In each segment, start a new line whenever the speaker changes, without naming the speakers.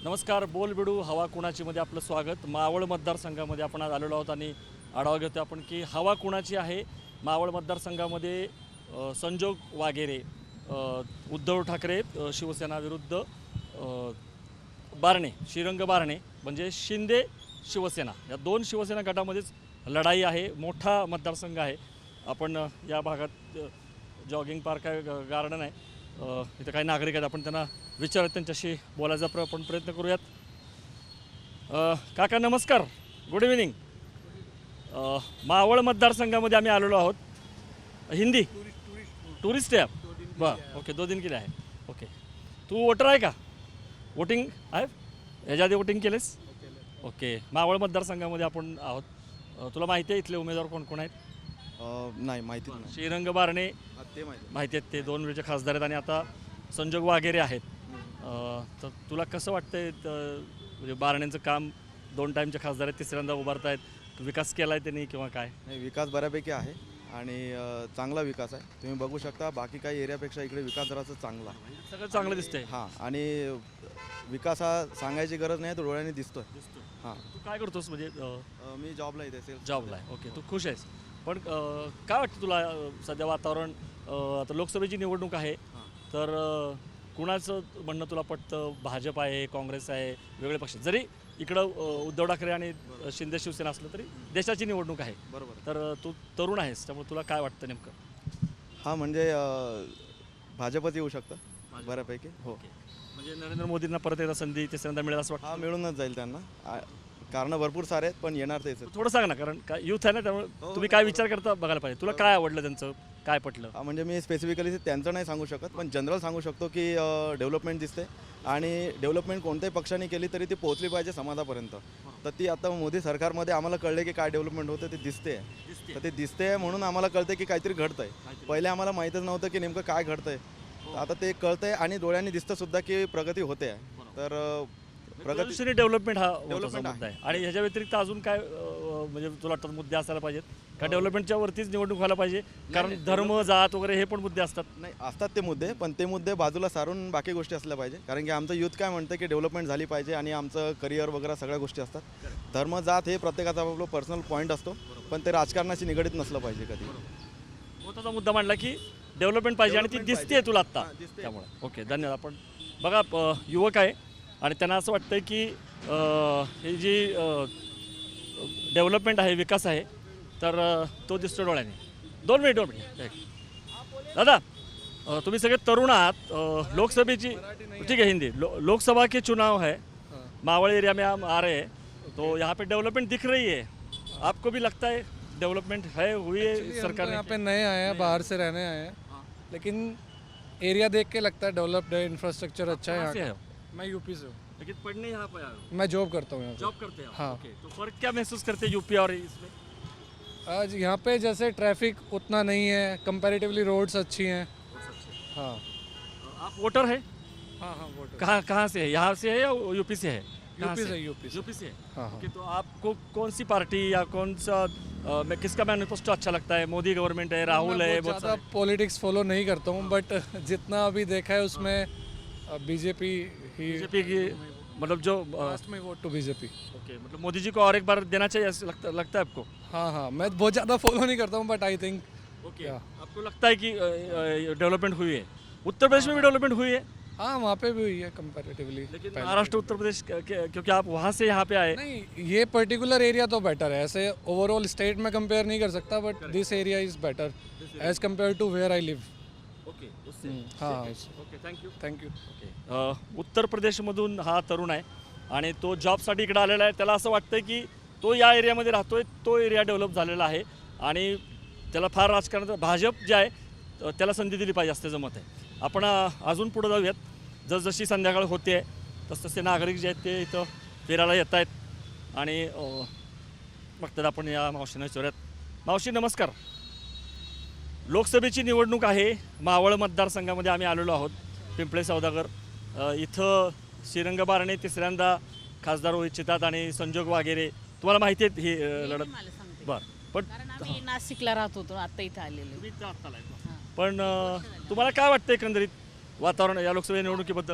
नमस्कार. बोलबिडू हवा कुणाची मध्ये आपलं स्वागत. मावळ मतदारसंघामध्ये आपण आज आलेलो आहोत आणि आढावा घेतो आपण की हवा कुणाची आहे. मावळ मतदारसंघामध्ये संजोग वागेरे, उद्धव ठाकरे शिवसेना विरुद्ध बारणे, श्रीरंग बारणे म्हणजे शिंदे शिवसेना, या दोन शिवसेना गटामध्येच लढाई आहे. मोठा मतदारसंघ आहे. आपण या भागात जॉगिंग पार्क आहे, गार्डन आहे, इथं काही नागरिक आहेत. आपण त्यांना विचारत त्यांच्याशी बोलायचा आपण प्रयत्न करूयात. काका नमस्कार, गुड इव्हिनिंग. मावळ मतदारसंघामध्ये आम्ही आलेलो आहोत. हिंदी टुरिस्ट आहे आप? बरं, ओके. 2 दिन के लिए आहे. ओके. तू वोटर आहे का? वोटिंग आहे? ह्याच्या आधी वोटिंग केलेस? ओके. मावळ मतदारसंघामध्ये आपण आहोत. तुला माहिती आहे इथले उमेदवार कोण कोण आहेत?
नाही, माहिती नाही.
श्रीरंग बारणे
ते
माहिती आहेत, ते 2 वेळचे खासदार आहेत. आणि आता संजोग वागेरे आहेत. तर तुला कसं वाटतंय, म्हणजे बारण्यांचं काम, 2 टाईमचे खासदार आहेत, तिसऱ्यांदा उभारत आहेत, विकास केला आहे त्यांनी किंवा काय?
नाही, विकास बऱ्यापैकी आहे आणि चांगला विकास आहे. तुम्ही बघू शकता बाकी काही एरियापेक्षा इकडे विकास जरासा चांगला आहे.
सगळं चांगलं दिसतंय.
हां, आणि विकास हा सांगायची गरज नाही, तो डोळ्याने दिसतोय. हां.
तू काय करतोस? म्हणजे
मी जॉबला इथे असेल.
जॉबला आहे. ओके. तू खुश आहेस. पण काय वाटतं तुला सध्या वातावरण? आता लोकसभेची निवडणूक आहे, तर कुणाचं म्हणणं तुला पटतं? भाजप आहे, काँग्रेस आहे, वेगळे पक्ष, जरी इकडं उद्धव ठाकरे आणि शिंदे शिवसेना असलं तरी देशाची निवडणूक आहे.
बरोबर.
तर तू तरुण आहेस, त्यामुळे तुला काय वाटतं नेमकं?
हां, म्हणजे भाजपच येऊ शकतं बऱ्यापैकी. हो.
म्हणजे नरेंद्र मोदींना परत एकदा संधी तिसऱ्यांदा मिळेल असं वाटतं?
हा, मिळूनच जाईल त्यांना. कारणं भरपूर सारे आहेत, पण येणार तेच.
थोडं सांग ना, कारण काय यूथ आहे ना, त्यामुळे तुम्ही काय विचार करता बघायला पाहिजे. तुला काय आवडलं त्यांचं, काय पटलं?
म्हणजे मी स्पेसिफिकली त्यांचं नाही सांगू शकत, पण जनरल सांगू शकतो की डेव्हलपमेंट दिसते. आणि डेव्हलपमेंट कोणत्याही पक्षाने केली तरी ती पोहोचली पाहिजे समाजापर्यंत. तर ती आता मोदी सरकारमध्ये आम्हाला कळले की काय डेव्हलपमेंट होतं ते दिसते. तर ते दिसते म्हणून आम्हाला कळतं की काहीतरी घडतं आहे. पहिले आम्हाला माहीतच नव्हतं की नेमकं काय घडतं आहे. आता ते कळतं आहे आणि डोळ्यांनी दिसतं सुद्धा की प्रगती होते आहे. तर
प्रगतीशील डेव्हलपमेंट हा मुद्दा आहे. आणि ह्याच्या व्यतिरिक्त अजून काय म्हणजे तुला वाटतं मुद्दे असायला पाहिजेत का? डेव्हलपमेंटच्या वरतीच निवडणूक व्हायला पाहिजे? कारण धर्म, जात वगैरे हे पण मुद्दे असतात.
नाही, असतात ते मुद्दे, पण ते मुद्दे बाजूला सारून बाकी गोष्टी असल्या पाहिजे. कारण की आमचं युथ काय म्हणतं की डेव्हलपमेंट झाली पाहिजे आणि आमचं करिअर वगैरे सगळ्या गोष्टी असतात. धर्म, जात हे प्रत्येकाचा आपला पर्सनल पॉईंट असतो, पण ते राजकारणाशी निगडीत नसलं पाहिजे कधी.
महत्त्वाचा मुद्दा मांडला की डेव्हलपमेंट पाहिजे आणि ती दिसते तुला आत्ता. त्यामुळे ओके, धन्यवाद. आपण बघा, युवक आहे आणि त्यांना असं वाटतं की ही जी डेव्हलपमेंट आहे, विकास आहे, तर तो दिसतो डोळ्याने. 2 मिनिट. दादा, तुम्ही सगळे तरुण आहात. लोकसभेची, ठीक है, हिंदी, लोकसभा के चुनाव है, मावल एरिया में हम आ रहे हैं, तो यहाँ पे डेवलपमेंट दिख रही है. आपको भी लगता है डेवलपमेंट है, हुई है? सरकार
यहाँ पे नए आए हैं, बाहर से रहने आए हैं, लेकिन एरिया देख के लगता है डेवलप्ड है, इंफ्रास्ट्रक्चर अच्छा है यहाँ
से
का।
है?
मैं यूपी से हूँ,
लेकिन पढ़ने यहाँ पे आए हो?
मैं जॉब करता हूँ यहाँ
जॉब करते हैं?
हाँ।
ओके. तो फर्क क्या महसूस करते हैं यूपी और इसमें?
पे। आज यहाँ पे जैसे ट्रैफिक उतना नहीं है, कंपैरेटिवली रोड्स अच्छी हैं। हाँ
आप वोटर है?
हाँ हाँ वोट
कहाँ से है? यहाँ से है या यूपी से है? कहाँ
यूपी से यूपी से।
यूपी से है?
हाँ हाँ
ओके. तो आपको कौन सी पार्टी या कौन सा किसका मैनिफेस्टो अच्छा लगता है? मोदी गवर्नमेंट है, राहुल है, बहुत
ज़्यादा पॉलिटिक्स फॉलो नहीं करता हूँ, बट जितना अभी देखा है उसमें बीजेपी ही
बीजेपी की, मतलब जो
लास्ट में वोट टू बीजेपी।
ओके, मतलब मोदी जी को और एक बार देना चाहिए ऐसा लगता है आपको?
हाँ हाँ, मैं बहुत ज़्यादा फॉलो नहीं करता हूँ, बट आई थिंक
ओके. आपको लगता है कि डेवलपमेंट हुई है? उत्तर प्रदेश में भी डेवलपमेंट हुई है,
हाँ वहाँ पे भी हुई है कंपैरेटिवली।
लेकिन महाराष्ट्र, उत्तर प्रदेश, क्योंकि आप वहाँ से यहाँ पे आए.
नहीं, ये पर्टिकुलर एरिया तो बेटर है, ऐसे ओवरऑल स्टेट में कंपेयर नहीं कर सकता, but this area is better as compare to where I live.
Okay, उससे.
हाँ
ओके, थँक्यू.
थँक्यू।
ओके. उत्तर प्रदेशमधून हा तरुण आहे आणि तो जॉबसाठी इकडे आलेला आहे. त्याला असं वाटतं की तो या एरियामध्ये राहतोय, तो एरिया डेव्हलप झालेला आहे आणि त्याला फार राजकारणाचं, भाजप जे आहे त्याला संधी दिली पाहिजे असं त्याचं मत आहे. आपण अजून पुढे जाऊयात. जसजशी संध्याकाळ होते आहे तसतसे नागरिक जे आहेत ते इथं फिरायला येत आहेत आणि बघतात. आपण या मावशींना विचारूयात. मावशी नमस्कार. लोकसभेची निवडणूक आहे. मावळ मतदारसंघामध्ये आम्ही आलेलो आहोत, पिंपळे सौदागर. इथं श्रीरंग बारणे तिसऱ्यांदा खासदार होऊ इच्छितात आणि संजोग वागेरे, तुम्हाला माहिती आहेत ही लढत? बरं. पण
कारण आम्ही नाशिकला राहत होतो, आता इथं आलेलो.
पण तुम्हाला काय वाटतं एकंदरीत वातावरण या लोकसभा निवडणुकीबद्दल?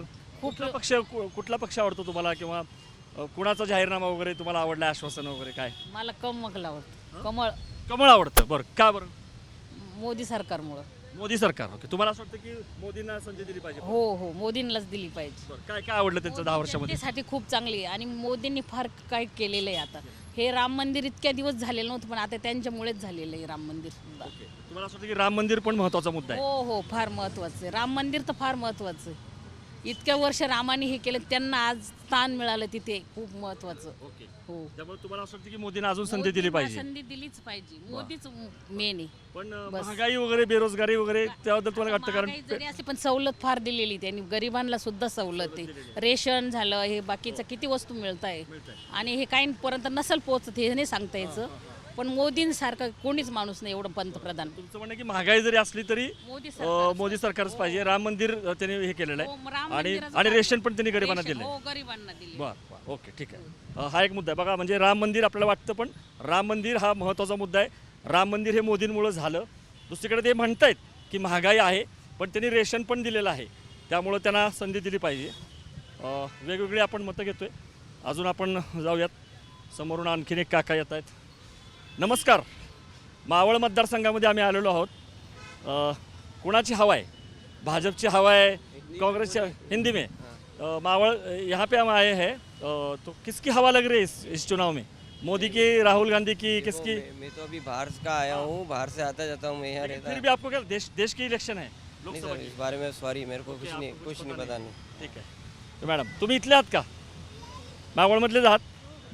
खूप
कुठला पक्ष आवडतो तुम्हाला किंवा कुणाचा जाहीरनामा वगैरे तुम्हाला आवडला, आश्वासन वगैरे काय?
मला कमळ आवडतं. कमळ
कमळ आवडतं. बरं, का बरं?
मोदी सरकारमुळं.
मोदी सरकार. ओके, तुम्हाला असं वाटतं की मोदींना संधी दिली पाहिजे?
हो हो, मोदींनाच दिली पाहिजे.
बरं, काय काय आवडलं त्यांचं 10 वर्षामध्ये?
जनतेसाठी खूप चांगली आहे आणि मोदींनी फार काय केलेलं आहे आता. हे राम मंदिर इतक्या दिवस झालेलं नव्हतं, पण आता त्यांच्यामुळेच झालेलं आहे राम मंदिर सुद्धा.
ओके, तुम्हाला असं वाटतं की राम मंदिर पण महत्त्वाचा मुद्दा आहे?
हो हो, फार महत्वाचं आहे. राम मंदिर तर फार महत्वाचं आहे. इतक्या वर्ष रामाने हे केलं, त्यांना आज स्थान मिळालं तिथे, खूप महत्वाचं.
ओके,
हो,
त्यामुळे तुम्हाला असं वाटतं की मोदींना अजून संधी दिली
मोदींना
पाहिजे?
संधी दिलीच पाहिजे. मोदीच मेन आहे.
पण
बस.
महागाई वगैरे, बेरोजगारी वगैरे त्याबद्दल तुम्हाला वाटतं?
महागाई जरी असली पण सवलत फार दिलेली त्यांनी, गरिबांना सुद्धा सवलत आहे. रेशन झालं, हे बाकीचं किती वस्तू मिळत आहे आणि हे काहींपर्यंत नसेल पोहोचत, हे नाही सांगता यायचं. पण मोदींसारखं कोणीच माणूस नाही एवढं पंतप्रधान.
तुमचं म्हणणं की महागाई जरी असली तरी
मोदी
मोदी सरकारच पाहिजे. राम मंदिर त्यांनी हे केलेलं
हो,
आहे
राम
आणि
मंदिराचं
आणि
काम-
रेशन पण त्यांनी गरिबांना
रेशन-
दिलंय.
हो, गरिबांना दिले.
बरं, ओके, ठीक आहे. हा एक मुद्दा आहे बघा. म्हणजे राम मंदिर आपल्याला वाटतं, पण राम मंदिर हा महत्त्वाचा मुद्दा आहे. राम मंदिर हे मोदींमुळं झालं. दुसरीकडे ते म्हणतायत की महागाई आहे, पण त्यांनी रेशन पण दिलेलं आहे, त्यामुळं त्यांना संधी दिली पाहिजे. वेगवेगळी आपण मतं घेतोय. अजून आपण जाऊयात. समोरून आणखीन एक काका येत आहेत. नमस्कार. मावळ मतदारसंघामध्ये आम्ही आलेलो आहोत. कुणाची हवा आहे? भाजपची हवा है, कांग्रेस? हिंदी में मावल यहाँ पे हम आए हैं, तो किसकी हवा लग रही है इस चुनाव में? मोदी की, राहुल गांधी की, किसकी?
मैं तो अभी बाहर का आया हूँ, बाहर से आता जाता हूँ, मैं यहाँ
लेकिन
रहता
फिर भी आपको क्या देश की इलेक्शन है,
नहीं
लोकसभा
सर,
की?
इस बारे में सॉरी, मेरे को
ओके, आपको
कुछ नहीं पता नहीं.
ठीक आहे. तर मॅडम, तुम्ही इथले आहात का? मावळमधलेच आहात?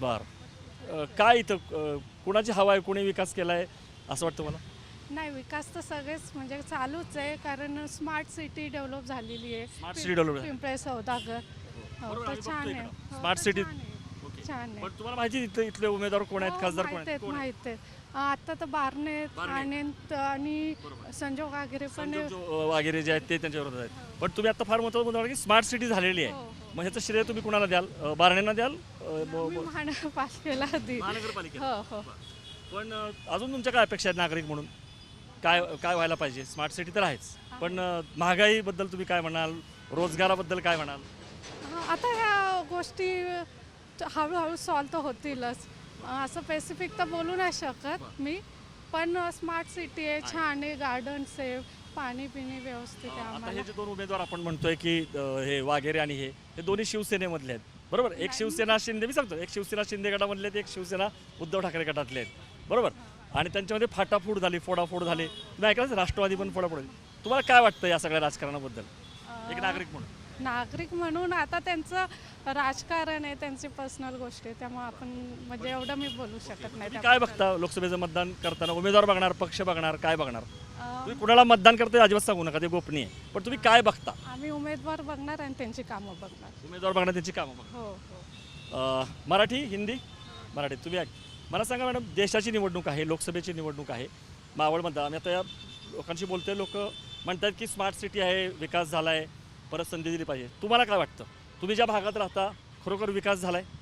बरं. काय इथं कुणाची हवा आहे, कुणी विकास केला आहे असं वाटतं मला?
नाही, विकास तर सगळेच म्हणजे चालूच आहे, कारण स्मार्ट सिटी डेव्हलप झालेली आहे.
Smart city develop
Pimple Saudagar
बरोबर,
तर
आम्ही
छान
बघतोय
आहे.
इकडं.
हो,
स्मार्ट
तर
सिटी.
छान आहे.
ओके.
छान आहे.
पण तुम्हाला माहिती आहे इथले उमेदवार कोण आहेत,
हो,
खासदार कोण
माहित
आहेत?
आहेत,
कोण आहेत?
माहित आहेत. आता तर बारणे आहेत,
बारणे.
आणि
बरोबर.
संजय वगैरे पण
संजोग
आहे.
जो वगैरे जे आहेत ते त्यांच्या विरोधात आहेत. पण तुम्ही आता फार महत्त्वाचं मुद्दा की स्मार्ट सिटी झालेली
हो,
आहे.
हो.
मग ह्याचं श्रेय तुम्ही कुणाला द्याल? बारणेंना द्याल?
मी महानगरपालिकेला आधी.
महानगरपालिकेला?
हो हो.
पण अजून तुमच्या काय अपेक्षा आहेत नागरिक म्हणून? काय काय व्हायला पाहिजे? स्मार्ट सिटी तर आहेच, पण महागाईबद्दल तुम्ही काय म्हणाल? रोजगाराबद्दल काय म्हणाल?
आता ह्या गोष्टी हळूहळू सॉल्व तर होतीलच. असं स्पेसिफिक तर बोलू नाही शकत मी, पण स्मार्ट सिटी आहे, छान आहे, गार्डन्स आहे, पाणी पिणी व्यवस्थित आहे
आता
आम्हाला.
हे जे दोन उमेदवार आपण म्हणतोय की हे वाघेरे आणि हे दोन्ही शिवसेनेमधले आहेत, बरोबर? एक शिवसेना शिंदे, मी सांगतो, एक शिवसेना शिंदे गटामधले आहेत, एक शिवसेना उद्धव ठाकरे गटातले आहेत, बरोबर? आणि त्यांच्यामध्ये फाटाफूट झाली, फोडाफोड झाली. तुम्ही ऐकलंच, राष्ट्रवादी पण फोडाफोड झाली. तुम्हाला काय वाटतं या सगळ्या राजकारणाबद्दल एक नागरिक म्हणून?
नागरिक म्हणून आता त्यांचं राजकारण आहे, त्यांची पर्सनल गोष्ट आहे, त्यामुळे आपण म्हणजे एवढं मी बोलू शकत नाही
तुम्ही
त्या
काय
बद्दल.
बघता लोकसभेचं मतदान करताना? उमेदवार बघणार, पक्ष बघणार, काय बघणार?
अं,
तुम्ही कुणाला मतदान करताय अजिबात सांगू नका, ते गोपनीय आहे. पण तुम्ही काय बघता?
आम्ही उमेदवार बघणार आणि त्यांची कामं बघणार.
उमेदवार बघणार, त्यांची कामं बघणार.
हो हो.
मराठी, हिंदी? मराठी. तुम्ही मला सांगा मॅडम, देशाची निवडणूक आहे, लोकसभेची निवडणूक आहे, मावळमध्ये आम्ही आता या लोकांशी बोलतोय. लोक म्हणतात की स्मार्ट सिटी आहे, विकास झाला आहे, परत संधी दिली पाहिजे. तुम्हाला काय वाटतं? तुम्ही ज्या भागात राहता, खरोखर विकास झाला आहे?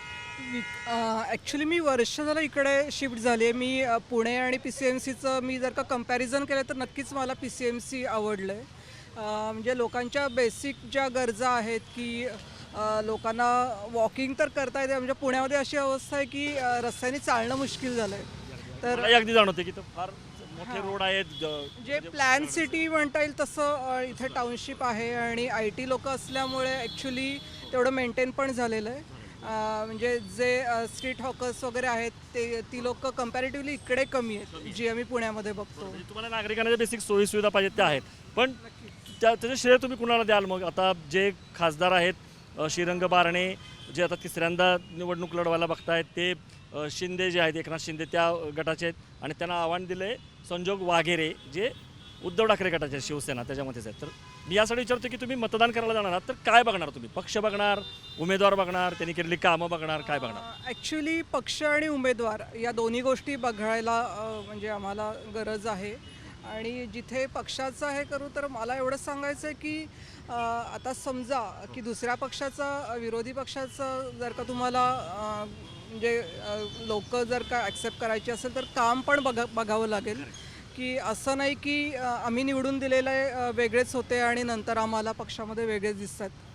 ॲक्च्युली मी वर्ष झालं इकडे शिफ्ट झाली आहे. मी पुणे आणि PCMCचं मी जर का कंपॅरिझन केलं तर नक्कीच मला PCMC आवडलं आहे. म्हणजे लोकांच्या बेसिक ज्या गरजा आहेत की लोकांना वॉकिंग तर करता येते. म्हणजे पुण्यामध्ये अशी अवस्था आहे की रस्त्याने चालणं मुश्किल झालं आहे. तर
मलाही अगदी जाणवते की इथं फार मोठे रोड आहेत.
जे प्लॅन सिटी म्हणता येईल तसं इथे टाउनशिप आहे आणि IT लोक असल्यामुळे ॲक्च्युली तेवढं मेंटेन पण झालेलं आहे. म्हणजे जे स्ट्रीट हॉकर्स वगैरे आहेत ती लोक कम्पॅरेटिव्हली इकडे कमी आहेत, जी आम्ही पुण्यामध्ये बघतो.
म्हणजे तुम्हाला नागरिकांना ज्या बेसिक सोयी सुविधा पाहिजेत त्या आहेत, पण त्याचे श्रेय तुम्ही कुणाला द्याल? मग आता जे खासदार आहेत, श्रीरंग बारणे जे आता तिसऱ्यांदा निवडणूक लढवायला बघतायत, ते शिंदे जे आहेत, एकनाथ शिंदे त्या गटाचे आहेत, आणि त्यांना आव्हान दिले संजोग वाघेरे जे उद्धव ठाकरे गटाचे आहेत, शिवसेना त्याच्यामध्येच आहेत. तर मी यासाठी विचारतो की तुम्ही मतदान करायला जाणार आहात तर काय बघणार? तुम्ही पक्ष बघणार, उमेदवार बघणार, त्यांनी केलेली कामं बघणार, काय बघणार?
ॲक्च्युली पक्ष आणि उमेदवार या दोन्ही गोष्टी बघायला म्हणजे आम्हाला गरज आहे. आणि जिथे पक्षाचं हे करू तर मला एवढंच सांगायचं आहे की आता समजा की दुसऱ्या पक्षाचा, विरोधी पक्षाचं जर का तुम्हाला म्हणजे लोक जर का ॲक्सेप्ट करायची असेल तर काम पण बघावं लागेल. की असं नाही की आम्ही निवडून दिलेले वेगळेच होते आणि नंतर आम्हाला पक्षामध्ये वेगळेच दिसतात.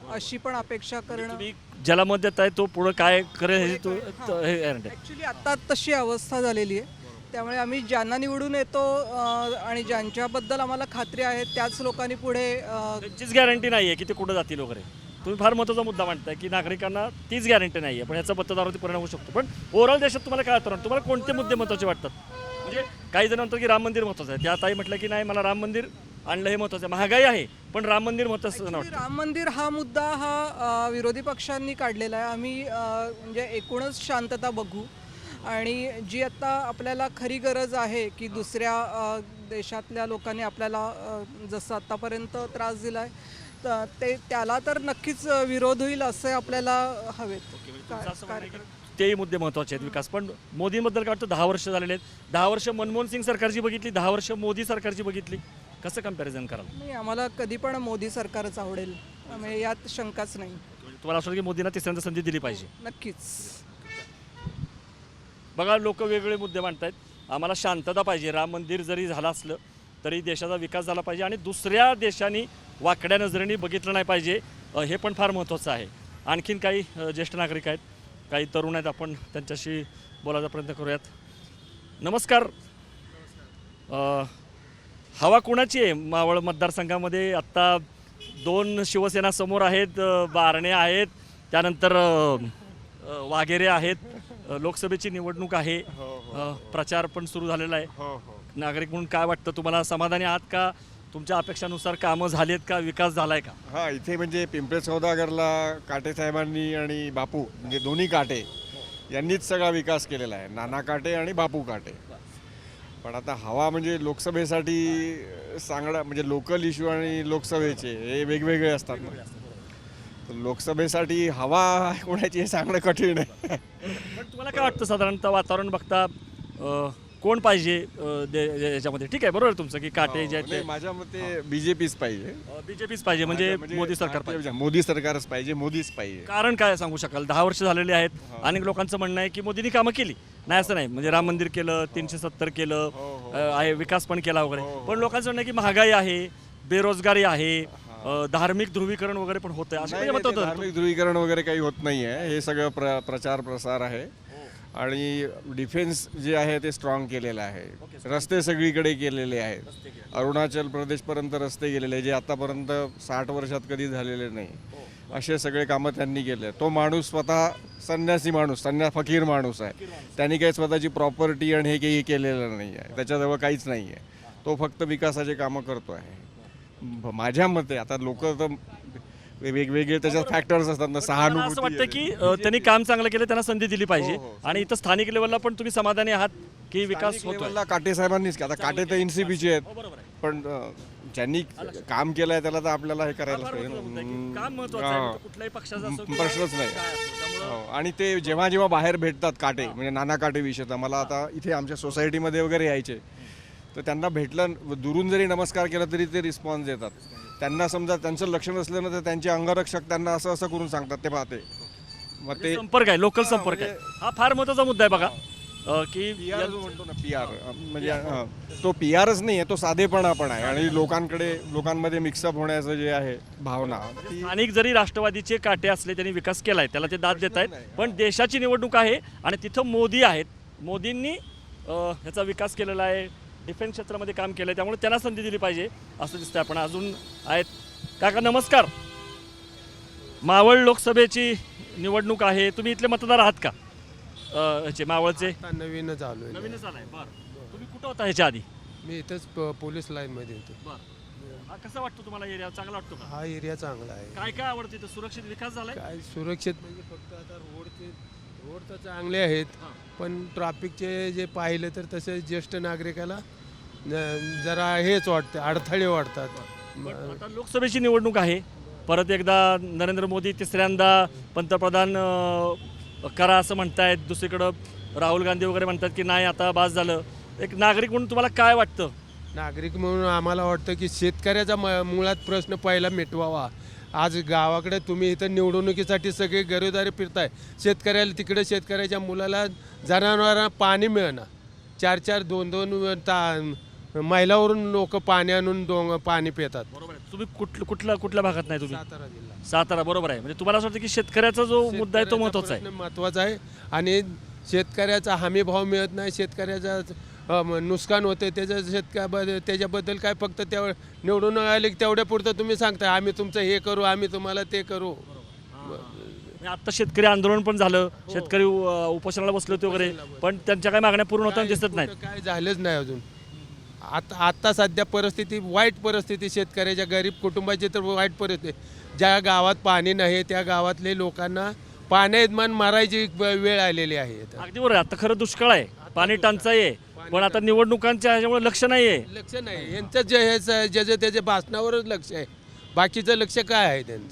अशी पण अपेक्षा करणं.
तुम्ही ज्याला मत देताय तो पुढं काय करेल हे तो हे guarantee आहे.
ॲक्च्युली आत्ता तशी अवस्था झालेली आहे. त्यामुळे आम्ही ज्यांना निवडून येतो आणि ज्यांच्याबद्दल आम्हाला खात्री आहे त्याच लोकांनी पुढे
त्यांचीच गॅरंटी नाही आहे की ते कुठं जातील वगैरे. तुम्ही फार महत्त्वाचा मुद्दा मांडताय की नागरिकांना तीच गॅरंटी नाही आहे, पण ह्याचा मतदारावरती परिणाम होऊ शकतो. पण ओव्हरऑल देशात तुम्हाला काय वाटतं, तुम्हाला कोणते मुद्दे महत्त्वाचे वाटतात? म्हणजे काही जण म्हणतात की राम मंदिर महत्त्वाचं आहे, त्या ताई म्हटलं की नाही मला राम मंदिर आणलं हे महत्त्वाचं आहे. महागाई आहे पण राम मंदिर महत्त्वाचं नाही वाटतं.
राम मंदिर हा मुद्दा हा विरोधी पक्षांनी काढलेला आहे. आम्ही म्हणजे एकूणच शांतता बघू आणि जी आत्ता आपल्याला खरी गरज आहे की दुसऱ्या देशातल्या लोकांनी आपल्याला जसं आत्तापर्यंत त्रास दिला आहे ते त्याला तर नक्कीच विरोध होईल असे आपल्याला हवेत.
तेही मुद्दे महत्त्वाचे आहेत विकास. पण मोदींबद्दल काय वाटतं? 10 वर्ष झालेले आहेत. 10 वर्ष मनमोहन सिंग सरकारची बघितली, 10 वर्ष मोदी सरकारची बघितली, कसं कम्पॅरिझन कराल?
नाही, आम्हाला कधी पण मोदी सरकारच आवडेल, म्हणजे यात शंकाच नाही.
तुम्हाला असं वाटतं की मोदींना तिसऱ्यांदा संधी दिली पाहिजे?
नक्कीच.
बघा, लोक वेगवेगळे मुद्दे मांडतायत. आम्हाला शांतता पाहिजे, राम मंदिर जरी झालं असलं तरी देशाचा विकास झाला पाहिजे आणि दुसऱ्या देशांनी वाकड्या नजरेने बघितलं नाही पाहिजे, हे पण फार महत्त्वाचं आहे. आणखीन काही ज्येष्ठ नागरिक आहेत, काही तरुण आहेत, आपण त्यांच्याशी बोलायचा प्रयत्न करूयात. नमस्कार. हवा कोणाची आहे मावळ मतदारसंघामध्ये? आत्ता 2 शिवसेना समोर आहेत, बारणे आहेत, त्यानंतर वाघेरे आहेत. लोकसभेची निवडणूक आहे, प्रचार पण सुरू झालेला आहे. नागरिक म्हणून काय वाटतं तुम्हाला? समाधानी आहात का? तुमच्या अपेक्षानुसार कामं झालीत का? विकास झालाय का?
हां, इथे म्हणजे पिंपळे सौदागरला काटे साहेबांनी आणि बापू म्हणजे दोन्ही काटे यांनीच सगळा विकास केलेला आहे, नाना काटे आणि बापू काटे. पण आता हवा म्हणजे लोकसभेसाठी सांगणं म्हणजे लोकल इश्यू आणि लोकसभेचे हे वेगवेगळे असतात ना. तर लोकसभेसाठी हवा कोणाची हे सांगणं कठीण आहे.
पण तुम्हाला काय वाटतं साधारणतः वातावरण बघता कोण पाहिजे याच्यामध्ये? ठीक आहे, बरोबर तुमचं की काटे जे आहेत
नाही, माझ्या मते बीजेपीच पाहिजे,
बीजेपीच पाहिजे, म्हणजे मोदी सरकार पाहिजे.
मोदी सरकारच पाहिजे, मोदीच पाहिजे.
कारण काय सांगू शकाल? 10 वर्ष झालेले आहेत. अनेक लोकांचं म्हणणं आहे की मोदींनी कामं केली नाही, असं नाही, म्हणजे राम मंदिर केलं, 370 केलं आहे, विकास पण केला वगैरे. पण लोकांचं म्हणणं आहे की महागाई आहे, बेरोजगारी आहे, धार्मिक ध्रुवीकरण वगैरे पण होतं. असं
नाही,
मत
ते
होतं.
धार्मिक ध्रुवीकरण वगैरे काही होत नाही आहे. हे सगळं प्रचार प्रसार आहे. आणि डिफेन्स जे आहे ते स्ट्रॉंग केलेलं आहे. रस्ते सगळीकडे केलेले आहेत. अरुणाचल प्रदेशपर्यंत रस्ते गेलेले आहे, जे आतापर्यंत 60 वर्षात कधी झालेले नाही. असे सगळे कामं त्यांनी केले. तो माणूस स्वतः संन्यासी माणूस, फकीर माणूस आहे. त्यांनी काही स्वतःची प्रॉपर्टी आणि हे काही केलेलं नाही आहे. त्याच्याजवळ काहीच नाही आहे. तो फक्त विकासाचे कामं करतो आहे. माझ्या मते आता लोक तर वेगवेगळे त्याच्यात फॅक्टर्स असतात ना,
असं
सहानुभूती
वाटतं
आहे.
की त्यांनी काम चांगलं केलं, त्यांना संधी दिली पाहिजे. आणि इथं स्थानिक लेवलला पण तुम्ही समाधानी आहात की विकास
स्थानिक
होतोय?
लेवलला काटे साहेबांनीच की आता काटे तर एनसीपीचे आहेत, पण ज्यांनी काम केलंय त्याला तर आपल्याला हे करायला
फार
पाहिजे
महत्त्वाचं आहे
ना.
की काम महत्त्वाचं आहे. मग तो कुठल्याही पक्षाचा असो किंवा
प्रश्नच नाही.
काय असो. त्यामुळं
हो, आणि ते जेव्हा जेव्हा बाहेर भेटतात काटे म्हणजे नाना काटे विषयता, मला आता इथे आमच्या सोसायटीमध्ये वगैरे यायचे, तर त्यांना भेटलं, दुरून जरी नमस्कार केला तरी ते रिस्पॉन्स देतात. त्यांना समजा त्यांचं लक्ष नसलं ना तर त्यांचे अंगरक्षक त्यांना असं असं करून सांगतात, ते पाहते. मग ते
संपर्क आहे, लोकल संपर्क आहे. हा फार महत्त्वाचा मुद्दा आहे बघा, की
PR जो म्हणतो ना, PR म्हणजे तो PRच नाही आहे, तो साधेपणा पण आहे. आणि लोकांमध्ये मिक्सअप होण्याचं जे आहे भावना, ती
स्थानिक जरी राष्ट्रवादीचे काटे असले त्यांनी विकास केलाय, त्याला ते दाद देत आहेत. पण देशाची निवडणूक आहे आणि तिथं मोदी आहेत. मोदींनी ह्याचा विकास केलेला आहे, डिफेन्स क्षेत्रामध्ये काम केलं आहे, त्यामुळे त्यांना संधी दिली पाहिजे असं दिसतंय. आपण अजून आहेत. काका नमस्कार. मावळ लोकसभेची निवडणूक आहे, तुम्ही इथले मतदार आहात का? ह्याचे मावळचे
नवीनच आलो आहे.
नवीनच आलाय. बरं, तुम्ही कुठं होता ह्याच्या आधी?
मी इथंच पोलीस लाईनमध्ये होतो.
बरं, कसा वाटतो तुम्हाला एरिया? चांगला वाटतो का?
हा एरिया चांगला आहे.
काय काय आवडतं इथं? सुरक्षित विकास झालाय?
काय सुरक्षित म्हणजे फक्त आता रोड तर चांगले आहेत, पण ट्रॅफिकचे जे पाहिलं तर तसे ज्येष्ठ नागरिकाला जरा हेच वाटतं, अडथळे वाटतात.
आता लोकसभेची निवडणूक आहे, परत एकदा नरेंद्र मोदी तिसऱ्यांदा पंतप्रधान करा असं म्हणतायत. दुसरीकडं राहुल गांधी वगैरे म्हणतात की नाही आता बास झालं. एक नागरिक म्हणून तुम्हाला काय वाटतं?
नागरिक म्हणून आम्हाला वाटतं की शेतकऱ्याचा मुळात प्रश्न पहिला मिटवावा. आज गावाकडे तुम्ही इथं निवडणुकीसाठी सगळे घरोदारी फिरताय, शेतकऱ्याला तिकडे शेतकऱ्याच्या मुलाला जनावरांना पाणी मिळेना, 4-4, 2-2 मैलावरून लोक पाणी आणून पाणी पितात.
बरोबर आहे. तुम्ही कुठल्या भागात नाही तुम्ही?
सातारा जिल्हा
सातारा. बरोबर आहे. म्हणजे तुम्हाला असं वाटतं की शेतकऱ्याचा जो मुद्दा आहे तो महत्त्वाचा आहे.
महत्त्वाचा आहे. आणि शेतकऱ्याचा हमी भाव मिळत नाही, शेतकऱ्याचा नुकसान होते त्याच्याबद्दल काय फक्त निवडून आले की तेवढ्या पुरतं तुम्ही सांगता आम्ही तुमचं हे करू, आम्ही तुम्हाला ते करू.
आता शेतकरी आंदोलन पण झालं, शेतकरी उपोषणाला बसले होते वगैरे, पण त्यांच्या काही मागण्या पूर्ण होताना दिसत नाहीत.
काय झालंच नाही अजून. आता सध्या परिस्थिती वाईट परिस्थिती, शेतकऱ्याच्या गरीब कुटुंबाची तर वाईट परिस्थिती. ज्या गावात पाणी नाही त्या गावातले लोकांना पाण्यात मारायची वेळ आलेली आहे.
अगदी बरोबर आहे. आता खरं दुष्काळ आहे, पाणी टंचाई आहे, पण आता निवडणुकांच्या ह्याच्यामुळे लक्ष नाही आहे.
लक्ष नाही यांचं ज्याचं त्याच्या भाषणावरच लक्ष आहे, बाकीचं लक्ष काय आहे त्यांचं.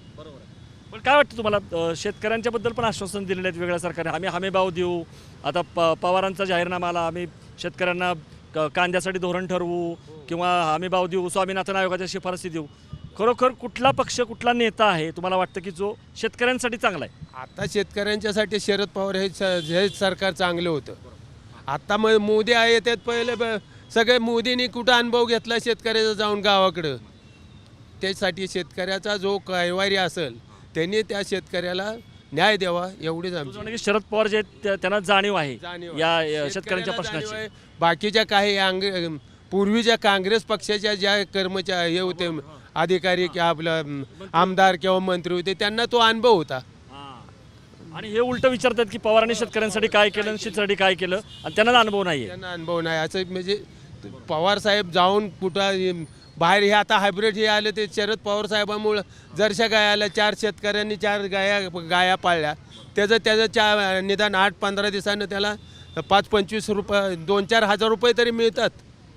पण काय वाटतं तुम्हाला, शेतकऱ्यांच्या बद्दल पण आश्वासन दिलेले आहेत वेगळ्या सरकारने, आम्ही हमीभाव देऊ, आता पवारांचा जाहीरनामा आला, आम्ही शेतकऱ्यांना कांद्यासाठी धोरण ठरवू किंवा हमीभाव देऊ, स्वामीनाथन आयोगाच्या शिफारसी देऊ. खरोखर कुठला पक्ष, कुठला नेता आहे तुम्हाला वाटतं की जो शेतकऱ्यांसाठी चांगला आहे?
आता शेतकऱ्यांच्यासाठी शरद पवार हे सरकार चांगलं होतं. आता मग मोदी आहे त्यात पहिले सगळे मोदींनी कुठं अनुभव घेतला शेतकऱ्याचा जाऊन गावाकडं. त्यासाठी शेतकऱ्याचा जो कैवारी असेल त्यांनी त्या शेतकऱ्याला न्याय द्यावा एवढीच आमची.
की शरद पवार जे आहेत त्यांना जाणीव आहे या शेतकऱ्यांच्या
शेतकऱ्याला
प्रश्नाची.
बाकीच्या काही पूर्वीच्या काँग्रेस पक्षाच्या ज्या कर्मचारी हे होते, अधिकारी किंवा आपलं आमदार किंवा मंत्री होते, त्यांना तो अनुभव होता.
आणि हे उलट विचारतात की पवारांनी शेतकऱ्यांसाठी काय केलं, शेतीसाठी काय केलं, आणि त्यांना अनुभव नाही आहे.
त्यांना अनुभव नाही असं. म्हणजे पवार साहेब जाऊन कुठं बाहेर हे आता हायब्रिड हे आले ते शरद पवार साहेबांमुळं. जरशा गायाला 4 शेतकऱ्यांनी 4 गाया पाळल्या, त्याचं निदान 8-15 दिवसानं त्याला 5-25 रुपये 2-4 हजार रुपये तरी मिळतात.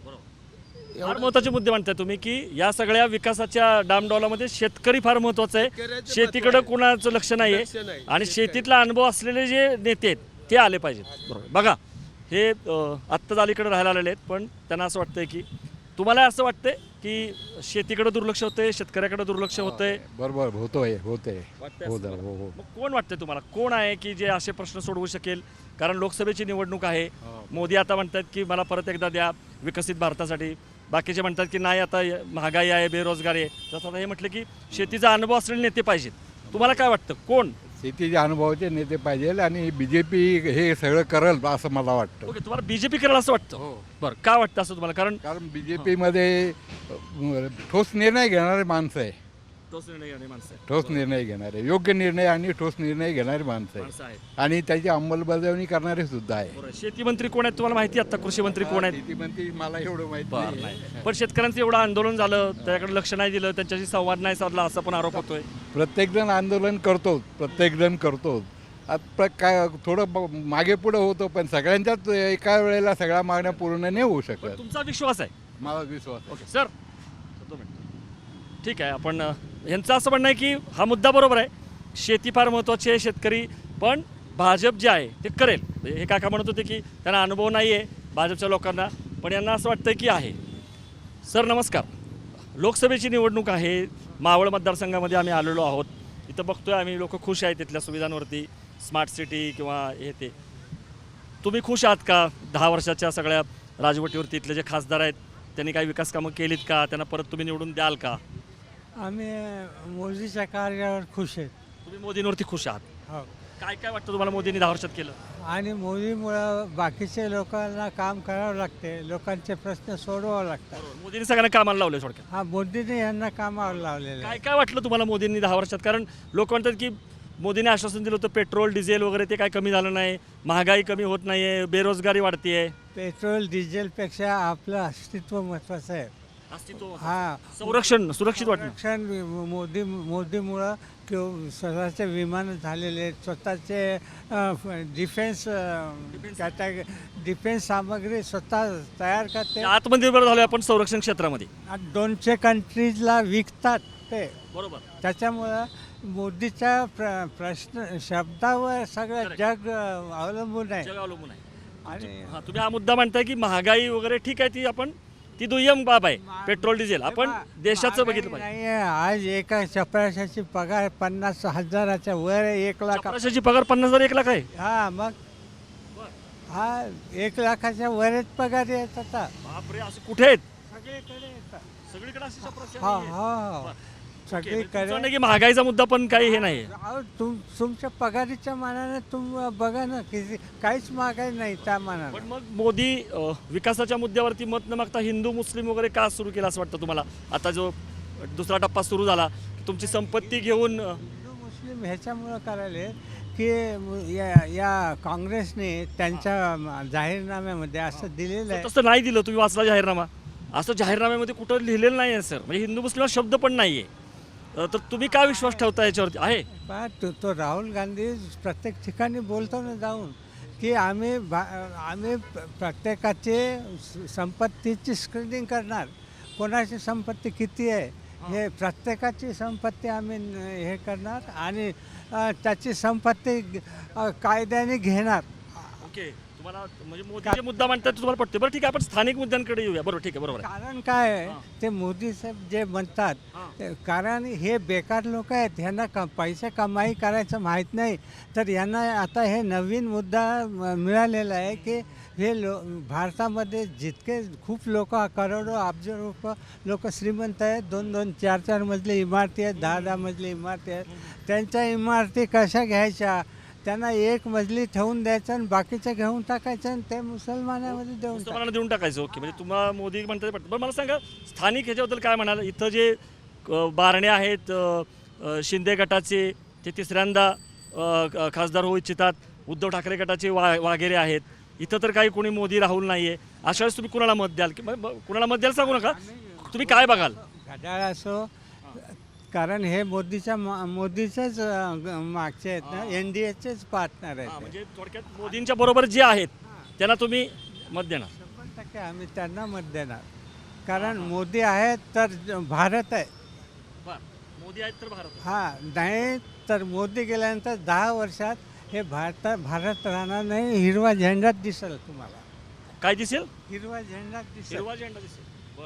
फार महत्त्वाचे मुद्दे म्हणताय तुम्ही की या सगळ्या विकासाच्या डामडौलामध्ये शेतकरी फार महत्त्वाचा आहे. शेतीकडे कोणाचं लक्ष नाही आहे आणि शेतीतला अनुभव असलेले जे नेते आहेत ते आले पाहिजेत. बरोबर. बघा, हे आत्ताच अलीकडे राहायला आलेले आहेत, पण त्यांना असं वाटतंय की, तुम्हाला असं वाटतंय की शेतीकडे दुर्लक्ष होतंय, शेतकऱ्याकडे दुर्लक्ष होतंय?
बरोबर होतोय. हो
मग कोण वाटतंय तुम्हाला, कोण आहे की जे असे प्रश्न सोडवू शकेल? कारण लोकसभेची निवडणूक आहे. मोदी आता म्हणतात की मला परत एकदा द्या विकसित भारतासाठी, बाकीचे म्हणतात की नाही आता महागाई आहे, बेरोजगारी आहे. तसं आता हे म्हटलं की शेतीचा अनुभव असलेले नेते पाहिजेत. तुम्हाला काय वाटतं, कोण
शेतीच्या अनुभवाचे नेते पाहिजे आणि बीजेपी हे सगळं करेल असं मला वाटतं.
ओके, तुम्हाला बीजेपी करेल असं वाटतं? बरं, का वाटतं असं तुम्हाला? कारण
बीजेपीमध्ये ठोस निर्णय घेणारे माणसं आहे,
ठोस निर्णय घेणारी माणसं आहेत.
ठोस निर्णय घेणारे, योग्य निर्णय आणि ठोस निर्णय घेणारे माणसं
माणसं
आहे
आहेत.
आणि त्याची अंमलबजावणी करणारे सुद्धा आहे.
बरं, शेती मंत्री कोण आहेत तुम्हाला माहिती? आता कृषी मंत्री कोण आहेत?
शेतीमंत्री मला एवढं माहिती नाही.
पण शेतकऱ्यांचं एवढं आंदोलन झालं, त्याकडे लक्ष नाही दिलं, त्यांच्याशी संवाद नाही साधला, असा पण आरोप होतोय.
प्रत्येकजण आंदोलन करतो, प्रत्येकजण करतो. आता काय थोडं मागे पुढं होतं, पण सगळ्यांच्याच एका वेळेला सगळ्या मागण्या पूर्ण नाही होऊ
पण
शकत.
तुमचा विश्वास आहे?
मला विश्वास आहे.
ओके सर, 2 मिनिटं. ठीक आहे. आपण यांचं असं म्हणणं आहे की हा मुद्दा बरोबर आहे, शेती फार महत्त्वाची आहे, शेतकरी, पण भाजप जे आहे ते करेल. हे काका म्हणत होते की त्यांना अनुभव नाही आहे भाजपच्या लोकांना, पण यांना असं वाटतं की आहे. सर नमस्कार. लोकसभेची निवडणूक आहे, मावळ मतदारसंघामध्ये आम्ही आलेलो आहोत. इथं बघतोय आम्ही, लोक खुश आहेत तिथल्या सुविधांवरती, स्मार्ट सिटी किंवा हे ते. तुम्ही खुश आहात का 10 वर्षाच्या सगळ्या राजवटीवरती? इथले जे खासदार आहेत त्यांनी काही विकास कामं केलीत का? त्यांना परत तुम्ही निवडून द्याल का?
आम्ही मोदीच्या कार्यावर खुश आहेत.
तुम्ही मोदींवरती खुश आहात?
हो.
काय काय वाटतं तुम्हाला मोदींनी 10 वर्षात केलं?
आणि मोदीमुळं बाकीचे लोकांना काम करावं लागते, लोकांचे प्रश्न सोडवावं लागतात.
मोदींनी सगळ्यांना कामाला लावले थोडक्यात.
हा, मोदीने यांना कामावर लावलेलं
काय
आहे.
काय वाटलं तुम्हाला मोदींनी 10 वर्षात? कारण लोक म्हणतात की मोदींनी आश्वासन दिलं होतं पेट्रोल डिझेल वगैरे, ते काय कमी झालं नाही, महागाई कमी होत नाही आहे, बेरोजगारी वाढते आहे.
पेट्रोल डिझेलपेक्षा आपलं अस्तित्व महत्त्वाचं आहे.
अस्तित्व,
हा,
संरक्षण, सुरक्षित वाटणं.
संरक्षण मोदीमुळं किंवा स्वतःचे विमान झालेले आहेत, स्वतःचे डिफेन्स सामग्री स्वतः तयार करते.
आत्मनिर्भर झालोय आपण संरक्षण क्षेत्रामध्ये.
200 कंट्रीजला विकतात ते.
बरोबर.
त्याच्यामुळं मोदीच्या प्रश्न शब्दावर सगळं जग अवलंबून आहे.
जग अवलंबून आहे.
आणि
हा, तुम्ही हा मुद्दा म्हणताय की महागाई वगैरे ठीक आहे, ती आपण ती दुय्यम बाब आहे, पेट्रोल डिझेल. आपण देशाचं बघितलं पाहिजे.
नाही, आज एका चपराशाची पगार 50,000च्या वर आहे, 1 लाख.
चपराशाची पगार 50,000 1 लाख आहे?
हा, मग हा 1 लाखाच्या वरच पगार येत आता
बापरे, असं कुठे आहेत?
सगळीकडे येतात.
सगळीकडे अशी समस्या
हा
नाहीये.
हा
तुमचं
सगळीकडे
म्हणणं की महागाईचा मुद्दा पण काही हे नाही.
अहो, तुमच्या पगारीच्या मानाने बघा ना किती काहीच महागाई नाही त्या मानाने.
पण मग मोदी विकासाच्या मुद्द्यावरती मत न मागता हिंदू मुस्लिम वगैरे का सुरू केलं असं वाटतं तुम्हाला? आता जो दुसरा टप्पा सुरू झाला की तुमची संपत्ती घेऊन
हिंदू मुस्लिम ह्याच्यामुळं करायले की या काँग्रेसने त्यांच्या जाहीरनाम्यामध्ये असं दिलेलं आहे.
तसं नाही दिलं. तुम्ही वाचला जाहीरनामा? असं जाहीरनाम्यामध्ये कुठं लिहिलेलं नाही आहे सर. म्हणजे हिंदू मुस्लिम हा शब्द पण नाही आहे. तर तुम्ही काय विश्वास ठेवता याच्यावरती? आहे
पहा तो राहुल गांधी प्रत्येक ठिकाणी बोलतो ना जाऊन की आम्ही प्रत्येकाचे संपत्तीची स्क्रीनिंग करणार, कोणाची संपत्ती किती आहे हे प्रत्येकाची संपत्ती आम्ही हे करणार आणि त्याची संपत्ती कायद्याने घेणार.
ओके. तुम्हाला म्हणजे मोदीचे मुद्दा म्हणतात तुम्हाला पटते. बरं ठीक आहे, आपण स्थानिक मुद्द्यांकडे येऊया. बरोबर, ठीक आहे, बरोबर आहे.
कारण काय आहे ते मोदी साहेब जे म्हणतात कारण हे बेकार लोक आहेत, ह्यांना पैसे कमाई करायचं माहीत नाही. तर यांना आता हे नवीन मुद्दा मिळालेला आहे की हे भारतामध्ये जितके खूप लोक करोडो अब्ज लोक श्रीमंत आहेत, 2-2, 4-4 मजली इमारती आहेत, 10-10 मजली इमारती आहेत, त्यांच्या इमारती कशा घ्यायच्या, त्यांना 1 मजली ठेवून द्यायचं आणि बाकीचं घेऊन टाकायचं आणि ते मुसलमानामध्ये
देऊन टाकायचं. ओके. म्हणजे तुम्हाला मोदी म्हणतात पटतं. बरं मला सांगा, स्थानिक ह्याच्याबद्दल काय म्हणाल? इथं जे बारणे आहेत शिंदे गटाचे, ते तिसऱ्यांदा खासदार होऊ इच्छितात. उद्धव ठाकरे गटाचे वागेरे आहेत. इथं तर काही कोणी मोदी राहुल नाही आहे. अशा वेळेस तुम्ही कुणाला मत द्याल? कुणाला मत द्याल सांगू नका, तुम्ही काय बघाल?
घड्याळ असो, कारण हे मोदीचेच मागचे आहेत ना, NDAचेच पार्टनर आहेत.
म्हणजे थोडक्यात मोदींच्या बरोबर जे आहेत त्यांना तुम्ही मत देणार?
100% आम्ही त्यांना मत देणार. कारण मोदी आहेत तर भारत आहे.
मोदी आहेत तर भारत.
नाही तर मोदी गेल्यानंतर 10 वर्षात हे भारत राहणार नाही. हिरवा झेंडाच दिसेल तुम्हाला.
काय दिसेल?
हिरवा झेंडाच दिसेल.
हिरवा झेंडा दिसेल.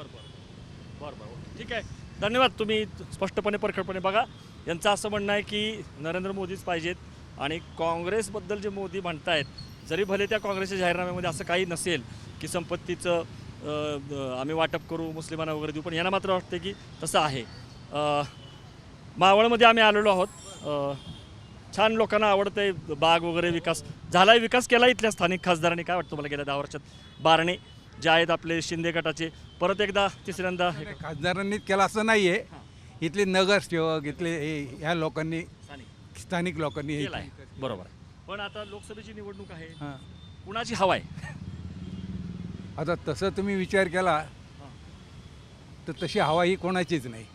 बरं. ठीक आहे, धन्यवाद. तुम्ही स्पष्टपणे परखडपणे बघा. यांचं असं म्हणणं आहे की नरेंद्र मोदीच पाहिजेत आणि काँग्रेसबद्दल जे मोदी म्हणतायत, जरी भले त्या काँग्रेसच्या जाहीरनाम्यामध्ये असं काही नसेल की संपत्तीचं आम्ही वाटप करू, मुस्लिमांना वगैरे देऊ, पण यांना मात्र वाटतं की तसं आहे. मावळमध्ये आम्ही आलेलो आहोत. छान लोकांना आवडतं आहे. बाग वगैरे विकास झाला आहे. विकास केला इथल्या स्थानिक खासदारांनी. काय वाटतं मला गेल्या 10 वर्षात? बारणे जे आहेत आपले शिंदे गटाचे, परत एकदा तिसऱ्यांदा
खासदारांनीच केला असं नाही आहे. इथले नगरसेवक, इथले ह्या लोकांनी, स्थानिक लोकांनी
केला आहे. बरोबर आहे. पण आता लोकसभेची निवडणूक आहे, कुणाची हवा आहे?
आता तसं तुम्ही विचार केला तर तशी हवा ही कोणाचीच नाही.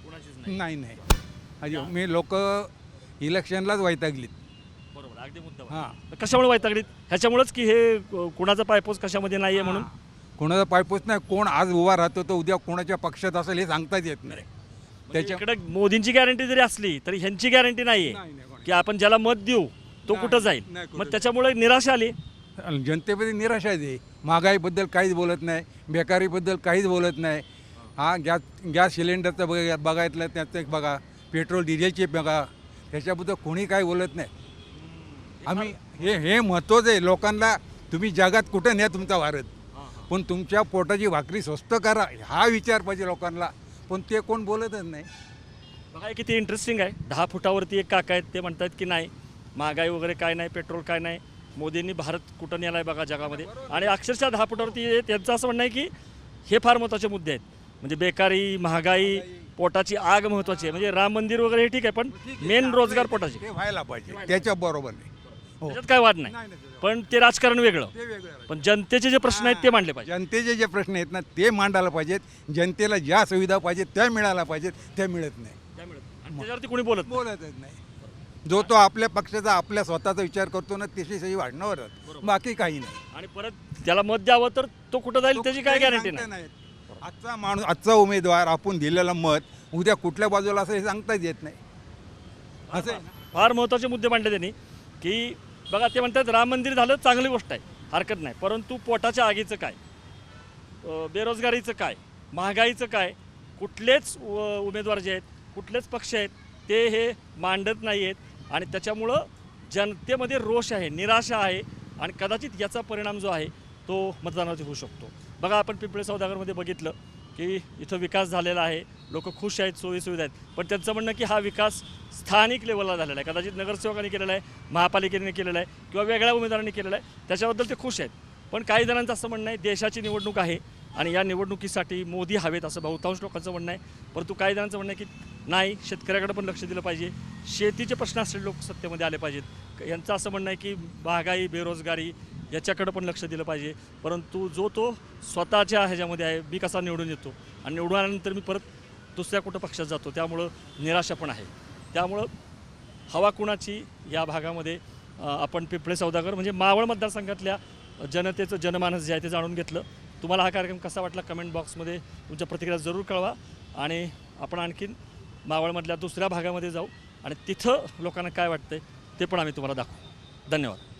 नाही. मी लोक इलेक्शनलाच वैतागलीत.
बरोबर, अगदी मुद्दा. कशामुळे वैतागलीत? ह्याच्यामुळेच की हे कुणाचा पायपोस कशामध्ये नाही आहे म्हणून?
कोणाचा पायपोस नाही. कोण आज उभा राहतो तो उद्या कोणाच्या पक्षात असेल हे सांगताच येत नाही.
त्याच्याकडे मोदींची गॅरंटी जरी असली तरी ह्यांची गॅरंटी नाही आहे की आपण ज्याला मत देऊ तो कुठं जाईल. मग त्याच्यामुळे निराशा आली.
जनतेमध्ये निराशाच आहे. महागाईबद्दल काहीच बोलत नाही, बेकारीबद्दल काहीच बोलत नाही. गॅस सिलेंडरचं बघायतलं त्याचं बघा, पेट्रोल डिझेलचे बघा, त्याच्याबद्दल कोणी काय बोलत नाही. आम्ही हे महत्त्वाचं आहे लोकांना. तुम्ही जगात कुठं न्या तुमचा भारत, पण तुमच्या पोटाची भाकरी स्वस्त करा हा विचार पाहिजे लोकांना. पण ते कोण बोलतच नाही.
बघा किती इंटरेस्टिंग आहे. 10 फुटावरती एक काका आहेत, ते म्हणतात की नाही महागाई वगैरे काय नाही, पेट्रोल काय नाही, मोदींनी भारत कुठं नेला आहे बघा जगामध्ये. आणि अक्षरशः 10 फुटावरती त्यांचं असं म्हणणं आहे की हे फार महत्त्वाचे मुद्दे आहेत. म्हणजे बेकारी, महागाई, पोटाची आग महत्त्वाची आहे. म्हणजे राम मंदिर वगैरे हे ठीक आहे, पण मेन रोजगार पोटाचे
ते व्हायला पाहिजे. त्याच्या बरोबर नाही,
त्याच्यात काय वाद नाही. पण ते राजकारण वेगळं. पण जनतेचे जे प्रश्न आहेत ते मांडले पाहिजे.
जनतेचे जे प्रश्न आहेत ना ते मांडायला पाहिजेत. जनतेला ज्या सुविधा पाहिजेत त्या मिळायला पाहिजेत, त्या मिळत नाही.
त्याच्यावरती कोणी बोलतच
नाही. जो तो आपल्या पक्षाचा, आपल्या स्वतःचा विचार करतो ना त्याची सही वाढण्यावरच, बाकी काही नाही.
आणि परत त्याला मत द्यावं तर तो कुठं जाईल त्याची काय गॅरंटी नाही.
आजचा माणूस, आजचा उमेदवार, आपण दिलेलं मत उद्या कुठल्या बाजूला असं हे सांगताच येत नाही. असं
फार महत्त्वाचे मुद्दे मांडले त्यांनी की बघा, ते म्हणतात राम मंदिर झालं चांगली गोष्ट आहे, हरकत नाही, परंतु पोटाच्या आगीचं काय, बेरोजगारीचं काय, महागाईचं काय, कुठलेच उमेदवार जे आहेत, कुठलेच पक्ष आहेत ते हे मांडत नाही आहेत. आणि त्याच्यामुळं जनतेमध्ये रोष आहे, निराशा आहे. आणि कदाचित याचा परिणाम जो आहे तो मतदानावरती होऊ शकतो. बघा, आपण पिंपळे सौदागरमध्ये बघितलं की इथं विकास झालेला आहे, लोक खुश आहेत, सोयीसुविधा आहेत, पण त्यांचं म्हणणं की हा विकास स्थानिक लेवलला झालेला आहे. कदाचित नगरसेवकांनी केलेला आहे, महापालिकेने केलेला आहे किंवा वेगळ्या उमेदवारांनी केलेला आहे, त्याच्याबद्दल ते खुश आहेत. पण काही जणांचं असं म्हणणं आहे देशाची निवडणूक आहे आणि या निवडणुकीसाठी मोदी हवेत असं बहुतांश लोकांचं म्हणणं आहे. परंतु काही जणांचं म्हणणं आहे की नाही, शेतकऱ्याकडे पण लक्ष दिलं पाहिजे, शेतीचे प्रश्न असलेले लोक सत्तेमध्ये आले पाहिजेत. यांचं असं म्हणणं आहे की महागाई, बेरोजगारी याच्याकडं पण लक्ष दिलं पाहिजे. परंतु जो तो स्वतःच्या ह्याच्यामध्ये आहे, मी कसा निवडून येतो आणि निवडून आल्यानंतर मी परत दुसऱ्या कुठं पक्षात जातो, त्यामुळं निराशा पण आहे. त्यामुळं हवा कुणाची या भागामध्ये आपण पिंपळे सौदागर म्हणजे मावळ मतदारसंघातल्या जनतेचं जनमानस जे आहे ते जाणून घेतलं. तुम्हाला हा कार्यक्रम कसा वाटला कमेंट बॉक्समध्ये तुमच्या प्रतिक्रिया जरूर कळवा आणि आपण आणखीन मावळमधल्या दुसऱ्या भागामध्ये जाऊ आणि तिथं लोकांना काय वाटतंय ते पण आम्ही तुम्हाला दाखवू. धन्यवाद.